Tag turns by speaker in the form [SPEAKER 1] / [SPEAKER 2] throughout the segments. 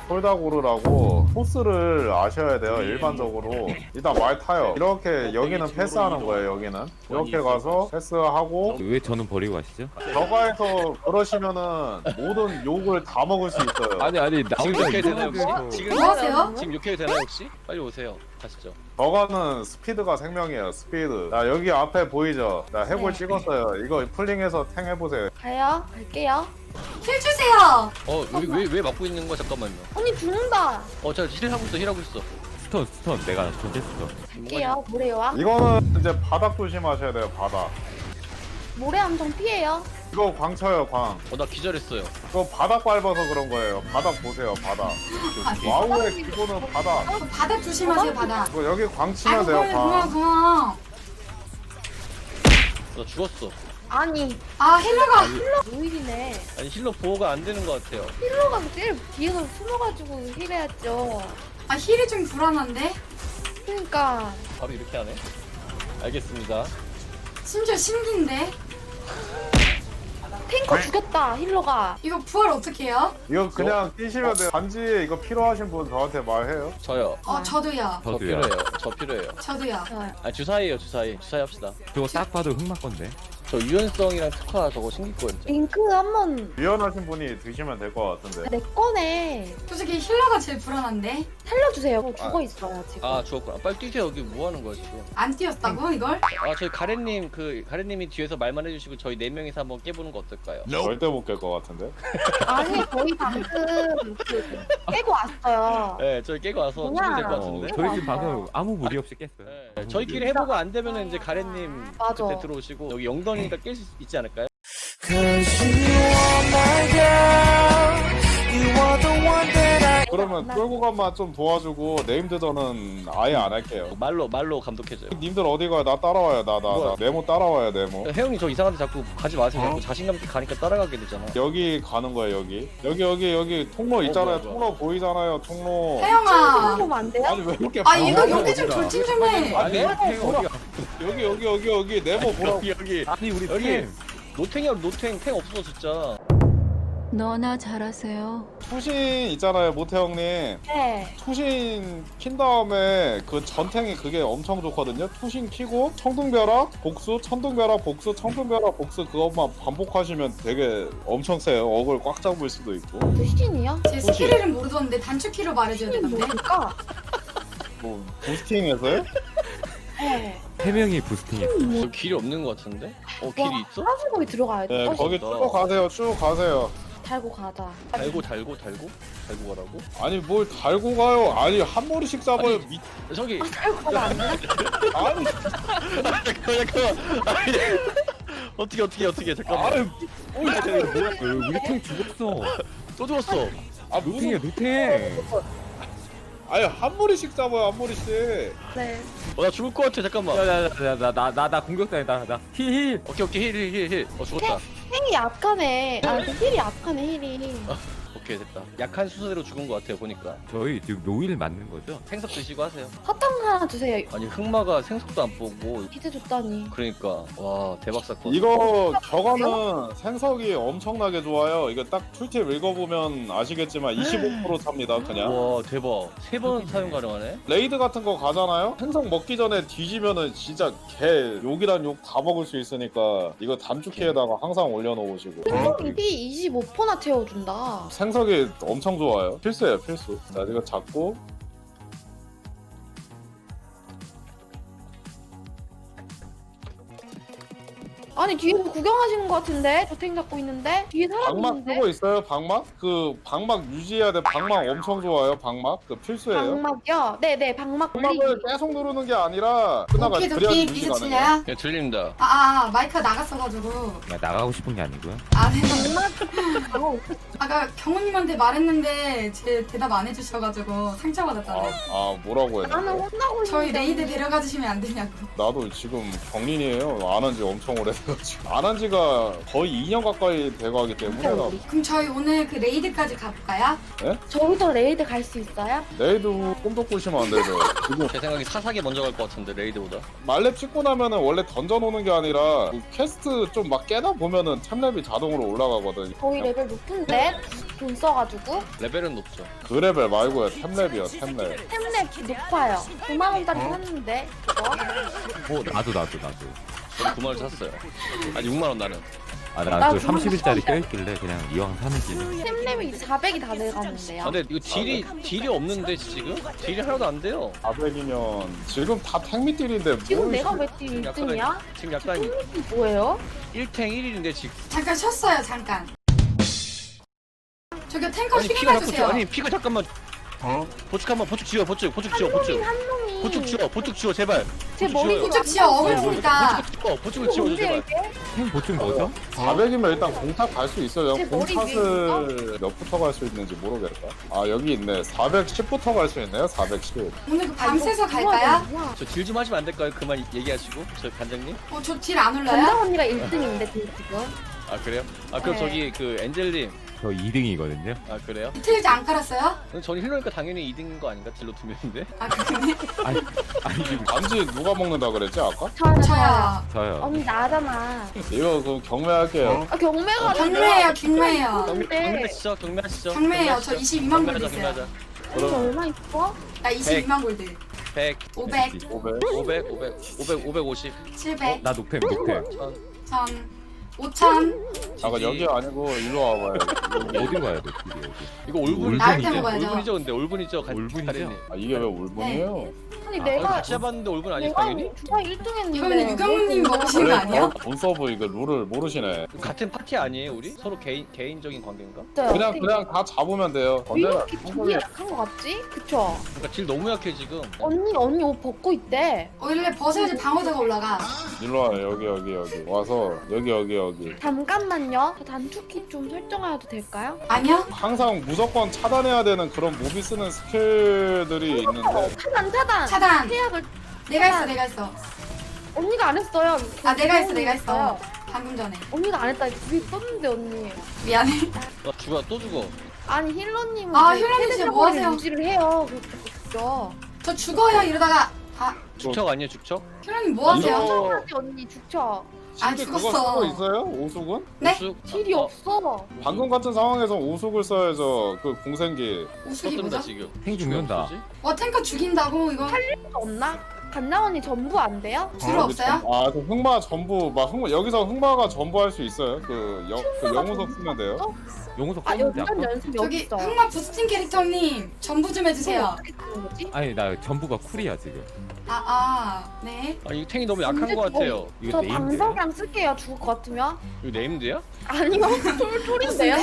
[SPEAKER 1] 폴다고르라고 코스를 아셔야 돼요. 일반적으로 일단 말 타요. 이렇게 여기는 패스하는 거예요. 여기는 이렇게 가서 패스하고
[SPEAKER 2] 왜 저는 버리고 가시죠?
[SPEAKER 1] 저가에서 그러시면은 모든 욕을 다 먹을 수 있어요.
[SPEAKER 2] 아니 나
[SPEAKER 3] 지금
[SPEAKER 2] 혼자
[SPEAKER 3] 욕해도 되나요
[SPEAKER 2] 이상하게
[SPEAKER 3] 혹시?
[SPEAKER 2] 해서-
[SPEAKER 3] 지금
[SPEAKER 4] 뭐 하세요?
[SPEAKER 3] 지금 욕해도 되나요 혹시? 빨리 오세요. 가시죠.
[SPEAKER 1] 저가는 스피드가 생명이에요. 스피드. 자 여기 앞에 보이죠? 자 해골
[SPEAKER 5] 네.
[SPEAKER 1] 찍었어요. 이거 풀링해서 탱 해보세요.
[SPEAKER 5] 갈게요.
[SPEAKER 4] 힐 주세요.
[SPEAKER 3] 왜 막고 있는 거야 잠깐만요.
[SPEAKER 5] 언니 죽는다.
[SPEAKER 3] 저 힐하고 있어 힐하고 있어.
[SPEAKER 2] 스턴 내가 전체 스턴.
[SPEAKER 5] 갈게요. 모래와.
[SPEAKER 1] 이거는 이제 바닥 조심하셔야 돼요. 바닥.
[SPEAKER 5] 모래 함정 피해요.
[SPEAKER 1] 이거 광 쳐요. 광.
[SPEAKER 3] 나 기절했어요.
[SPEAKER 1] 이거 바닥 밟아서 그런 거예요. 바닥 보세요. 바닥. 와우의 기본은 바닥.
[SPEAKER 4] 바닥 조심하세요, 바닥.
[SPEAKER 1] 이거 여기 광 치면
[SPEAKER 4] 아이고,
[SPEAKER 1] 돼요.
[SPEAKER 4] 고마워,
[SPEAKER 1] 광.
[SPEAKER 4] 고마워.
[SPEAKER 3] 나 죽었어.
[SPEAKER 5] 아니
[SPEAKER 4] 아, 힐러가.
[SPEAKER 5] 노일이네.
[SPEAKER 3] 아니 힐러 보호가 안 되는 것 같아요.
[SPEAKER 5] 힐러가 제일 뒤에서 숨어가지고 힐해야죠.
[SPEAKER 4] 아, 힐이 좀 불안한데?
[SPEAKER 5] 그러니까
[SPEAKER 3] 바로 이렇게 하네. 알겠습니다.
[SPEAKER 4] 심지어 신기인데?
[SPEAKER 5] 탱커 죽였다 힐러가.
[SPEAKER 4] 이거 부활 어떻게 해요?
[SPEAKER 1] 이거 그냥 뛰시면 돼요. 단지 이거 필요하신 분 저한테 말해요.
[SPEAKER 3] 저요.
[SPEAKER 4] 저도요.
[SPEAKER 3] 저
[SPEAKER 2] 저도요.
[SPEAKER 3] 필요해요. 저 필요해요.
[SPEAKER 4] 저도요.
[SPEAKER 3] 아 주사위에요 주사위. 주사위 합시다.
[SPEAKER 2] 저거 딱 봐도 흑마 건데.
[SPEAKER 3] 저 유연성이랑 특화 저거 신길 거예요.
[SPEAKER 5] 링크 한번
[SPEAKER 1] 유연하신 분이 드시면 될 것 같은데.
[SPEAKER 5] 내 거네.
[SPEAKER 4] 솔직히 힐러가 제일 불안한데?
[SPEAKER 5] 살려주세요. 죽어 있어요 지금.
[SPEAKER 3] 아 죽었구나. 빨리 뛰세요. 여기 뭐 하는 거야 지금?
[SPEAKER 4] 안 뛰었다고, 이걸?
[SPEAKER 3] 저희 가래님이 뒤에서 말만 해주시고 저희 4명이서 한번 깨보는 거 어떨까요?
[SPEAKER 1] 절대 못 깰 것 같은데.
[SPEAKER 5] 아니 저희 방금 그 깨고 왔어요.
[SPEAKER 3] 네, 저희 깨고 와서
[SPEAKER 5] 뭐야?
[SPEAKER 3] 준비 될것 같은데.
[SPEAKER 2] 저희 집 방금 아무 무리 없이 깼어요.
[SPEAKER 3] 네, 저희끼리 해보고 안 되면은 이제 가래님
[SPEAKER 5] 맞아.
[SPEAKER 3] 그때 들어오시고 여기 영던이니까 깰 수 있지 않을까요?
[SPEAKER 1] 그러면 끌고 간만 좀 도와주고 네임드전은 아예 안 할게요.
[SPEAKER 3] 말로 감독해줘요.
[SPEAKER 1] 님들 어디 가요? 나 따라와요. 나
[SPEAKER 3] 뭐야?
[SPEAKER 1] 네모 따라와요. 네모.
[SPEAKER 3] 혜영이 저 이상한데 자꾸 가지 마세요. 자꾸 자신감 있게 가니까 따라가게 되잖아.
[SPEAKER 1] 여기 가는 거예요. 여기 통로 있잖아요.
[SPEAKER 3] 뭐야, 뭐야.
[SPEAKER 1] 통로 보이잖아요. 통로.
[SPEAKER 4] 혜영아.
[SPEAKER 5] 보면 안 돼요?
[SPEAKER 1] 아니 왜 이렇게
[SPEAKER 4] 아, 이거
[SPEAKER 1] 방황을
[SPEAKER 4] 여기 좀
[SPEAKER 1] 어디가?
[SPEAKER 4] 돌진 좀 해.
[SPEAKER 1] 아니
[SPEAKER 2] 어디가?
[SPEAKER 1] 여기 네모 보라고.
[SPEAKER 3] 여기
[SPEAKER 2] 아니 우리
[SPEAKER 3] 여기
[SPEAKER 2] 팀.
[SPEAKER 3] 노탱이야 노탱 탱 없어 진짜.
[SPEAKER 6] 너나 잘하세요.
[SPEAKER 1] 투신 있잖아요. 모태 형님.
[SPEAKER 5] 네.
[SPEAKER 1] 투신 킨 다음에 그 전탱이 그게 엄청 좋거든요. 투신 키고 청둥벼락 복수, 천둥벼락 복수, 청둥벼락 복수 그것만 반복하시면 되게 엄청 세요. 어글 꽉 잡을 수도 있고.
[SPEAKER 5] 수신이요?
[SPEAKER 4] 제 스킬 이름 모르던데 단축키로 말해줘야
[SPEAKER 5] 수신이
[SPEAKER 4] 되던데?
[SPEAKER 5] 뭡니까?
[SPEAKER 1] 뭐 부스팅해서요?
[SPEAKER 5] 네.
[SPEAKER 2] 3명이 부스팅했어.
[SPEAKER 3] 저 길이 없는 것 같은데? 길이 있어?
[SPEAKER 5] 사실 거기 들어가야 돼.
[SPEAKER 1] 네, 거기 쭉 가세요. 쭉 가세요.
[SPEAKER 5] 달고 가자.
[SPEAKER 3] 달고 가라고?
[SPEAKER 1] 아니 뭘 달고 가요? 아니 한 머리씩 잡아요.
[SPEAKER 3] 아니, 저기
[SPEAKER 5] 달고 가면 안 돼?
[SPEAKER 1] 아니,
[SPEAKER 3] 잠깐만. 아니, 어떻게 잠깐만.
[SPEAKER 1] 아니,
[SPEAKER 2] 우리 팀 죽었어.
[SPEAKER 3] 또 죽었어.
[SPEAKER 1] 아
[SPEAKER 2] 노팅이야
[SPEAKER 1] 무슨?
[SPEAKER 2] 노팅.
[SPEAKER 1] 아니 한 머리씩 잡아요. 한 머리씩.
[SPEAKER 5] 네.
[SPEAKER 3] 나 죽을 것 같아 잠깐만.
[SPEAKER 2] 나 공격당했다. 나 힐.
[SPEAKER 3] 오케이 힐. 죽었다.
[SPEAKER 5] 탱이 약하네. 힐이 약하네 힐이.
[SPEAKER 3] 오케이 됐다. 약한 수수대로 죽은 것 같아요 보니까.
[SPEAKER 2] 저희 지금 노일 맞는 거죠?
[SPEAKER 3] 생석 드시고 하세요.
[SPEAKER 5] 사탕 하나 주세요.
[SPEAKER 3] 아니 흑마가 생석도 안 보고.
[SPEAKER 5] 비트 줬다니.
[SPEAKER 3] 그러니까 와 대박 사건.
[SPEAKER 1] 이거 저거는 생석이 엄청나게 좋아요. 이거 딱 툴팁 읽어보면 아시겠지만 25% 찹니다. 그냥.
[SPEAKER 3] 와 대박. 3번 사용 가능하네.
[SPEAKER 1] 레이드 같은 거 가잖아요? 생석 먹기 전에 뒤지면은 진짜 개 욕이란 욕 다 먹을 수 있으니까 이거 단축키에다가 항상 올려놓으시고.
[SPEAKER 5] 생석이 피 25%나 채워준다.
[SPEAKER 1] 생석이 엄청 좋아요. 필수예요, 필수. 자, 이거 잡고.
[SPEAKER 5] 아니 뒤에서 구경하시는 것 같은데? 저 탱 잡고 있는데? 뒤에 사람
[SPEAKER 1] 방막
[SPEAKER 5] 있는데?
[SPEAKER 1] 쓰고 있어요, 방막? 그 방막 유지해야 돼. 방막 엄청 좋아요, 방막. 그 필수예요.
[SPEAKER 5] 방막이요? 네네 방막
[SPEAKER 1] 방막을
[SPEAKER 5] 올리기.
[SPEAKER 1] 계속 누르는 게 아니라 끝나가
[SPEAKER 4] 오케이,
[SPEAKER 1] 그래야지
[SPEAKER 4] 도끼.
[SPEAKER 1] 유지가
[SPEAKER 4] 이제
[SPEAKER 1] 가능해요.
[SPEAKER 4] 들려요?
[SPEAKER 3] 예 들립니다.
[SPEAKER 4] 마이크가 나갔어가지고.
[SPEAKER 2] 나 나가고 싶은 게 아니고요.
[SPEAKER 4] 아, 네.
[SPEAKER 5] 방막
[SPEAKER 4] 아까 경호님한테 말했는데 제 대답 안 해주셔가지고 상처받았다고.
[SPEAKER 1] 뭐라고 해야
[SPEAKER 5] 나는
[SPEAKER 1] 돼?
[SPEAKER 5] 혼나고
[SPEAKER 4] 저희
[SPEAKER 5] 있는데.
[SPEAKER 4] 레이드 데려가 주시면 안 되냐고.
[SPEAKER 1] 나도 지금 경린이에요. 안 한 지 엄청 오래돼가지고. 안 한 지가 거의 2년 가까이 돼가기 때문에 나
[SPEAKER 4] 그럼 저희 오늘 그 레이드까지 가볼까요?
[SPEAKER 5] 저기서 레이드 갈 수 있어요?
[SPEAKER 1] 레이드 꿈도 꾸시면 안 되죠. 지금
[SPEAKER 3] 제 생각에 사사기 먼저 갈 것 같은데 레이드보다.
[SPEAKER 1] 말렙 찍고 나면은 원래 던져놓는 게 아니라 그 퀘스트 좀 막 깨다 보면은 템랩이 자동으로 올라가거든.
[SPEAKER 5] 저희 레벨 높은데? 돈 써가지고
[SPEAKER 3] 레벨은 높죠.
[SPEAKER 1] 그 레벨 말고요. 템랩이요. 템랩.
[SPEAKER 5] 템랩 높아요. 9만 원짜리 샀는데 그거.
[SPEAKER 2] 나도.
[SPEAKER 3] 저는 9만 원 샀어요. 아니 6만 원 나는.
[SPEAKER 2] 나 그
[SPEAKER 5] 그거
[SPEAKER 2] 30일짜리
[SPEAKER 5] 샀는데.
[SPEAKER 2] 껴있길래 그냥 이왕 사는 김에.
[SPEAKER 5] 템랩이 400이 다 들어갔는데요.
[SPEAKER 3] 아, 근데 이거 딜이 없는데 지금? 딜이 하나도 안 돼요.
[SPEAKER 1] 400이면 지금 다 탱미딜인데
[SPEAKER 5] 지금
[SPEAKER 1] 뭘
[SPEAKER 5] 내가 왜 팀 1등이야?
[SPEAKER 3] 지금 약간
[SPEAKER 5] 이 뭐예요?
[SPEAKER 3] 1탱 1일인데 지금.
[SPEAKER 4] 잠깐 쉬었어요 잠깐. 저기 탱커
[SPEAKER 3] 아니
[SPEAKER 4] 힐
[SPEAKER 3] 피가 자꾸
[SPEAKER 4] 해주세요.
[SPEAKER 3] 아니 피가 잠깐만. 보축 한번 보축 지워 보축 지워 보축.
[SPEAKER 5] 한 놈이
[SPEAKER 3] 보축 지워 제발.
[SPEAKER 5] 제
[SPEAKER 3] 보축
[SPEAKER 5] 머리
[SPEAKER 3] 지워요.
[SPEAKER 4] 우측 지어 어글 테니까.
[SPEAKER 3] 보축을 지워줘 제발.
[SPEAKER 2] 템 보충 뭐죠?
[SPEAKER 1] 400이면 일단 공탑 갈 수 있어요.
[SPEAKER 5] 제 머리
[SPEAKER 1] 공탑을 몇부터 갈 수 있는지 모르겠다. 아 여기 있네. 410부터 갈 수 있네요. 410.
[SPEAKER 4] 오늘 그
[SPEAKER 5] 아,
[SPEAKER 4] 밤새서
[SPEAKER 5] 이거
[SPEAKER 4] 갈까요?
[SPEAKER 5] 뭐야?
[SPEAKER 3] 저 딜 좀 하시면 안 될까요? 그만 얘기하시고 저 관장님.
[SPEAKER 4] 저 딜 안 올라요?
[SPEAKER 5] 담당 언니가 1등인데 지금.
[SPEAKER 3] 아 그래요? 아 그럼
[SPEAKER 5] 네.
[SPEAKER 3] 저기 그 엔젤님.
[SPEAKER 2] 저 2등이거든요.
[SPEAKER 3] 아 그래요?
[SPEAKER 4] 이틀 이제 안 깔았어요?
[SPEAKER 3] 그럼 저는 힐러니까 당연히 2등인 거 아닌가? 딜러 2명인데.
[SPEAKER 4] 아 그러네.
[SPEAKER 2] 아니 지금
[SPEAKER 1] 반지 누가 먹는다 그랬지 아까?
[SPEAKER 4] 저요.
[SPEAKER 2] 저요.
[SPEAKER 5] 언니 나잖아.
[SPEAKER 1] 이거 그럼 경매할게요.
[SPEAKER 5] 아 경매가
[SPEAKER 4] 경매예요 경매예요.
[SPEAKER 3] 경매하시죠 경매하시죠.
[SPEAKER 4] 경매예요. 저 22만 골드 있어요.
[SPEAKER 3] 경매하자.
[SPEAKER 5] 언니 얼마 있어?
[SPEAKER 4] 나 22만 골드.
[SPEAKER 3] 100,
[SPEAKER 4] 500,
[SPEAKER 1] 500.
[SPEAKER 3] 550,
[SPEAKER 4] 700,
[SPEAKER 2] 나 녹템.
[SPEAKER 3] 1000.
[SPEAKER 4] 1000, 5000.
[SPEAKER 1] 잠깐 여기 아니고 일로 와봐요.
[SPEAKER 2] 어디 가야 돼? 길이 어디?
[SPEAKER 3] 이거 올분이죠?
[SPEAKER 4] 나한테 먹어야죠.
[SPEAKER 3] 올분이죠 근데 올분이죠.
[SPEAKER 2] 올분이죠?
[SPEAKER 3] 가리님.
[SPEAKER 1] 아 이게 왜 울분이에요?
[SPEAKER 5] 아니
[SPEAKER 3] 아,
[SPEAKER 5] 내가
[SPEAKER 3] 같이 해봤는데 올분 아니에요
[SPEAKER 5] 내가
[SPEAKER 3] 당연히?
[SPEAKER 5] 주사 1등했는데.
[SPEAKER 4] 이거는 유경훈님이 먹으시는 거 아니에요?
[SPEAKER 1] 본 서브 이거 룰을 모르시네.
[SPEAKER 3] 같은 파티 아니에요 우리? 서로 개인적인 관계인가?
[SPEAKER 1] 그냥 다 잡으면 돼요.
[SPEAKER 5] 왜
[SPEAKER 1] 언제나
[SPEAKER 5] 이렇게 딜이 약한 거 같지? 그쵸?
[SPEAKER 3] 그러니까 딜 너무 약해 지금.
[SPEAKER 5] 언니 옷 벗고 있대.
[SPEAKER 4] 원래 벗어야지 방어도가 올라가.
[SPEAKER 1] 일로 와요. 여기 와서 여기.
[SPEAKER 5] 잠깐만요. 저 단축키 좀 설정해도 될까요?
[SPEAKER 4] 아니요?
[SPEAKER 1] 항상 무조건 차단해야 되는 그런 무비 쓰는 스킬들이 있는데
[SPEAKER 5] 차단.
[SPEAKER 4] 차단.
[SPEAKER 5] 태약을
[SPEAKER 4] 내가 했어.
[SPEAKER 5] 언니가 안 했어요.
[SPEAKER 4] 아 내가 했어. 방금 전에.
[SPEAKER 5] 언니가 안 했다. 그게 썼는데 언니.
[SPEAKER 4] 미안해.
[SPEAKER 3] 죽어 또 죽어.
[SPEAKER 5] 아니 힐러님은
[SPEAKER 4] 아,
[SPEAKER 5] 그
[SPEAKER 4] 힐러님 진짜
[SPEAKER 5] 헤드샷을
[SPEAKER 4] 뭐 하세요?
[SPEAKER 5] 유지를 해요. 그렇죠.
[SPEAKER 4] 저 죽어요 이러다가. 아
[SPEAKER 3] 죽척 아니에요 죽척?
[SPEAKER 4] 힐러님 뭐 하세요?
[SPEAKER 1] 이거-
[SPEAKER 5] 하지 언니 죽쳐.
[SPEAKER 4] 아,
[SPEAKER 1] 실제 그거
[SPEAKER 4] 죽었어.
[SPEAKER 1] 쓰고 있어요? 오숙은?
[SPEAKER 4] 네?
[SPEAKER 3] 우측?
[SPEAKER 5] 딜이 없어.
[SPEAKER 1] 방금 같은 상황에서 오숙을 써야죠. 그 공생기.
[SPEAKER 4] 우승이
[SPEAKER 3] 떴습니다
[SPEAKER 4] 뭐죠?
[SPEAKER 3] 지금.
[SPEAKER 2] 탱 죽는다.
[SPEAKER 4] 와 탱커 죽인다고 이거
[SPEAKER 5] 없나? 간장 언니 전부 안 돼요?
[SPEAKER 4] 필요 없어요?
[SPEAKER 1] 아, 그 흑마 전부 여기서 흑마가 전부 할 수 있어요. 그 영우석 쓰면 돼요.
[SPEAKER 2] 용우석
[SPEAKER 5] 아
[SPEAKER 2] 썼는데
[SPEAKER 5] 연전
[SPEAKER 2] 아까?
[SPEAKER 5] 연습 여기
[SPEAKER 4] 저기
[SPEAKER 5] 있어.
[SPEAKER 4] 흑마 부스팅 캐릭터님 전부 좀 해주세요.
[SPEAKER 5] 어떻게 쓰는 거지?
[SPEAKER 2] 아니 나 전부가 쿨이야 지금.
[SPEAKER 4] 네.
[SPEAKER 3] 아 이 탱이 너무 약한 거 같아요.
[SPEAKER 2] 이거
[SPEAKER 5] 저
[SPEAKER 2] 네임드예요?
[SPEAKER 5] 방석이랑 쓸게요. 죽을 것 같으면.
[SPEAKER 3] 이거 네임드야?
[SPEAKER 5] 아니요. 툴인데요?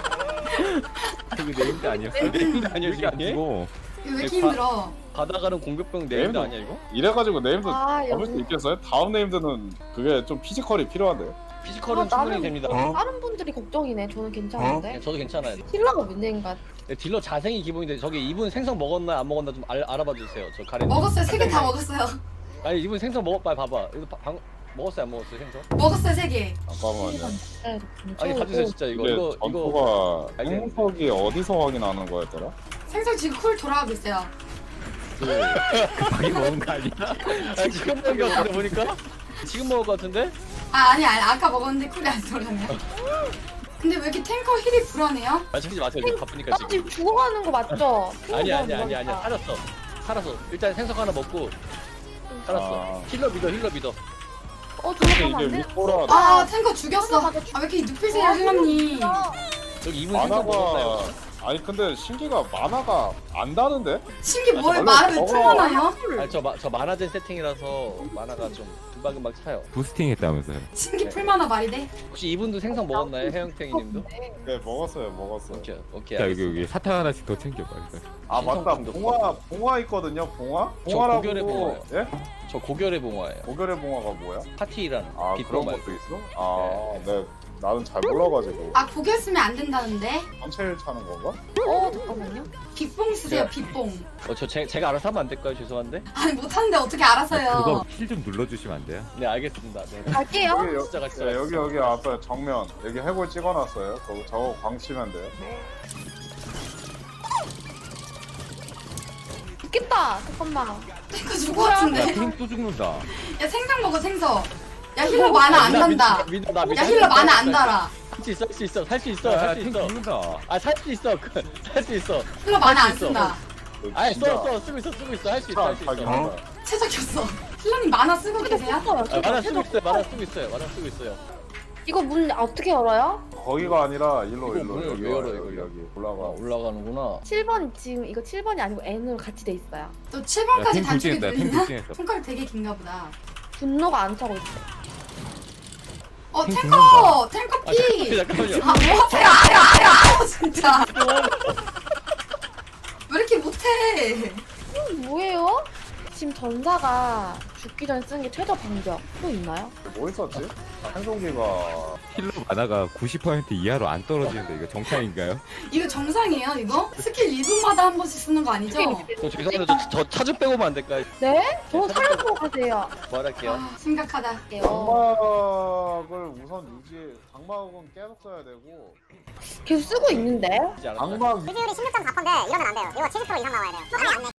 [SPEAKER 2] 이거 네임드 아니었어?
[SPEAKER 3] 네임드 아니야
[SPEAKER 2] 이게
[SPEAKER 3] 이게?
[SPEAKER 2] 아니고.
[SPEAKER 4] 이거 왜 이렇게 힘들어?
[SPEAKER 3] 가다가는 공격병 네임드
[SPEAKER 1] 네임드.
[SPEAKER 3] 아니야 이거?
[SPEAKER 1] 이래가지고 네임드
[SPEAKER 5] 아
[SPEAKER 1] 잡을 수
[SPEAKER 5] 여기
[SPEAKER 1] 있겠어요? 다음 네임드는 그게 좀 피지컬이 필요한데요.
[SPEAKER 3] 피지컬은
[SPEAKER 5] 아,
[SPEAKER 3] 충분히
[SPEAKER 5] 나는-
[SPEAKER 3] 됩니다.
[SPEAKER 5] 다른 분들이 걱정이네. 저는 괜찮은데.
[SPEAKER 3] 저도 괜찮아요.
[SPEAKER 5] 힐러가 문제인가?
[SPEAKER 3] 네, 딜러 자생이 기본인데 저기 이분 생선 먹었나 안 먹었나 좀 알아봐 주세요. 저 가렌.
[SPEAKER 4] 먹었어요. 3개 다 먹었어요.
[SPEAKER 3] 아니 이분 생선 먹었봐 봐봐. 이거 먹었어요 안 먹었어요 생선?
[SPEAKER 4] 먹었어요 3개.
[SPEAKER 1] 잠깐만요.
[SPEAKER 5] 네,
[SPEAKER 3] 아니 가주세요 진짜 이거
[SPEAKER 1] 이게
[SPEAKER 3] 이거
[SPEAKER 1] 전투가
[SPEAKER 3] 알겠는데.
[SPEAKER 1] 행석이 어디서 확인하는 거였더라?
[SPEAKER 4] 생선 지금 쿨 돌아가고 있어요.
[SPEAKER 2] 급하게 먹은 거 아니야?
[SPEAKER 3] 아, 지금 먹은 거 같은데 보니까? 지금 먹을 거 같은데?
[SPEAKER 4] 아니 아까 먹었는데 쿨이 안 돌아네. 근데 왜 이렇게 탱커 힐이 불안해요?
[SPEAKER 3] 말씀하지 마세요 지금 바쁘니까
[SPEAKER 5] 나
[SPEAKER 3] 지금.
[SPEAKER 5] 지금 죽어가는 거 맞죠?
[SPEAKER 3] 아니야 살았어. 일단 생선 하나 먹고 살았어.
[SPEAKER 1] 아.
[SPEAKER 3] 힐러 믿어.
[SPEAKER 5] 어
[SPEAKER 1] 근데
[SPEAKER 5] 들어가면 안
[SPEAKER 1] 이게
[SPEAKER 5] 돼?
[SPEAKER 1] 위포라
[SPEAKER 4] 아 탱커 죽였어. 아 왜 이렇게 눕히세요 힐러님?
[SPEAKER 3] 여기 이분 생선 먹었나요?
[SPEAKER 1] 만화가 아니 근데 신기가 만화가 안 다는데?
[SPEAKER 4] 신기 뭐예요?
[SPEAKER 1] 원래
[SPEAKER 4] 말을 왜
[SPEAKER 1] 저거-
[SPEAKER 4] 풀어놔요?
[SPEAKER 3] 아니 저 만화된 세팅이라서 만화가 좀 금방금방 차요.
[SPEAKER 2] 부스팅 했다면서요.
[SPEAKER 4] 신기 풀만화 말이 돼?
[SPEAKER 3] 혹시 이분도 생선 먹었나요? 해영탱이님도?
[SPEAKER 1] 네 먹었어요.
[SPEAKER 3] 오케이
[SPEAKER 2] 자
[SPEAKER 3] 알겠습니다.
[SPEAKER 2] 여기 사탕 하나씩 더 챙겨봐. 일단.
[SPEAKER 1] 아 맞다.
[SPEAKER 3] 신성
[SPEAKER 1] 봉화 있거든요. 봉화?
[SPEAKER 3] 저 고결의
[SPEAKER 1] 봉화라고 예?
[SPEAKER 3] 저 고결의 봉화예요.
[SPEAKER 1] 고결의 봉화가 뭐야?
[SPEAKER 3] 파티라는
[SPEAKER 1] 아 그런
[SPEAKER 3] 빗봉화.
[SPEAKER 1] 것도 있어? 아 네. 나는 잘 몰라가지고
[SPEAKER 4] 아 고개 쓰면 안 된다는데?
[SPEAKER 1] 전체를 차는 건가?
[SPEAKER 5] 잠깐만요.
[SPEAKER 4] 빗봉 쓰세요 빗봉.
[SPEAKER 3] 제가 알아서 하면 안 될까요? 죄송한데.
[SPEAKER 4] 아니 못하는데 어떻게 알아서요?
[SPEAKER 2] 그거 힐 좀 눌러주시면 안 돼요?
[SPEAKER 3] 네 알겠습니다. 네.
[SPEAKER 5] 갈게요.
[SPEAKER 3] 진짜 같이
[SPEAKER 1] 네, 여기 앞에 정면 여기 해골 찍어놨어요. 저거 광치면 돼요.
[SPEAKER 5] 죽겠다. 잠깐만.
[SPEAKER 4] 탱커 죽을 것 같은데?
[SPEAKER 2] 탱또 죽는다.
[SPEAKER 4] 야 생선 먹어 생선. 야 힐러 만화 안 단다.
[SPEAKER 3] 믿어 나
[SPEAKER 4] 야 힐러 만화 안 달아.
[SPEAKER 3] 살 수 있어 살 수 있어
[SPEAKER 2] 야,
[SPEAKER 3] 살 수
[SPEAKER 2] 탱
[SPEAKER 3] 있어
[SPEAKER 2] 죽는다.
[SPEAKER 3] 아 살 수 있어 살 수 있어
[SPEAKER 4] 힐러 많아 안
[SPEAKER 3] 있어.
[SPEAKER 4] 쓴다.
[SPEAKER 3] 아니
[SPEAKER 1] 진짜
[SPEAKER 3] 쓰고 있어 할 수 있어 할 수 있어
[SPEAKER 1] 어?
[SPEAKER 4] 최적이었어. 힐러님 만화 쓰고 계세요?
[SPEAKER 3] 만화 쓰고 있어요 만화 쓰고 있어요
[SPEAKER 5] 이거 문 어떻게 열어요?
[SPEAKER 1] 거기가 아니라 일로
[SPEAKER 3] 이거 문을
[SPEAKER 1] 여기
[SPEAKER 3] 왜 열어,
[SPEAKER 1] 여기
[SPEAKER 3] 이거?
[SPEAKER 1] 여기
[SPEAKER 3] 아
[SPEAKER 1] 올라가.
[SPEAKER 3] 올라가는구나
[SPEAKER 5] 7번 지금 이거 7번이 아니고 N으로 같이 돼 있어요.
[SPEAKER 4] 또
[SPEAKER 2] 야,
[SPEAKER 4] 7번까지
[SPEAKER 2] 탱
[SPEAKER 4] 단축이
[SPEAKER 2] 불진했다. 탱
[SPEAKER 4] 들리나?
[SPEAKER 2] 불진했어.
[SPEAKER 4] 손가락 되게 긴가 보다.
[SPEAKER 5] 분노가 안 차고 있어.
[SPEAKER 2] 탱
[SPEAKER 4] 탱커 피.
[SPEAKER 3] 잠깐만요
[SPEAKER 4] 아 뭐하세요? 아야 진짜. 왜 이렇게 못해?
[SPEAKER 5] 뭐예요? 지금 전사가 죽기 전에 쓰는 게 최저 방벽 또 있나요?
[SPEAKER 1] 뭐 있었지? 한송기가
[SPEAKER 2] 힐러 만화가 90% 이하로 안 떨어지는데 이거 정상인가요?
[SPEAKER 4] 이거 정상이에요 이거? 스킬 2분마다 한 번씩 쓰는 거 아니죠?
[SPEAKER 3] 저 죄송해요 저 차주 빼고만 안 될까요?
[SPEAKER 5] 네? 저 살려보고 가세요.
[SPEAKER 3] 말할게요
[SPEAKER 4] 아 심각하다.
[SPEAKER 1] 장막을 우선 유지. 장막은 계속 써야 되고.
[SPEAKER 5] 계속 쓰고 있는데?
[SPEAKER 3] 이제 알았다.
[SPEAKER 1] 장막
[SPEAKER 7] 비율이 16.4%인데 이러면 안 돼요. 이거 70% 이상 나와야 돼요. 아니 안 내.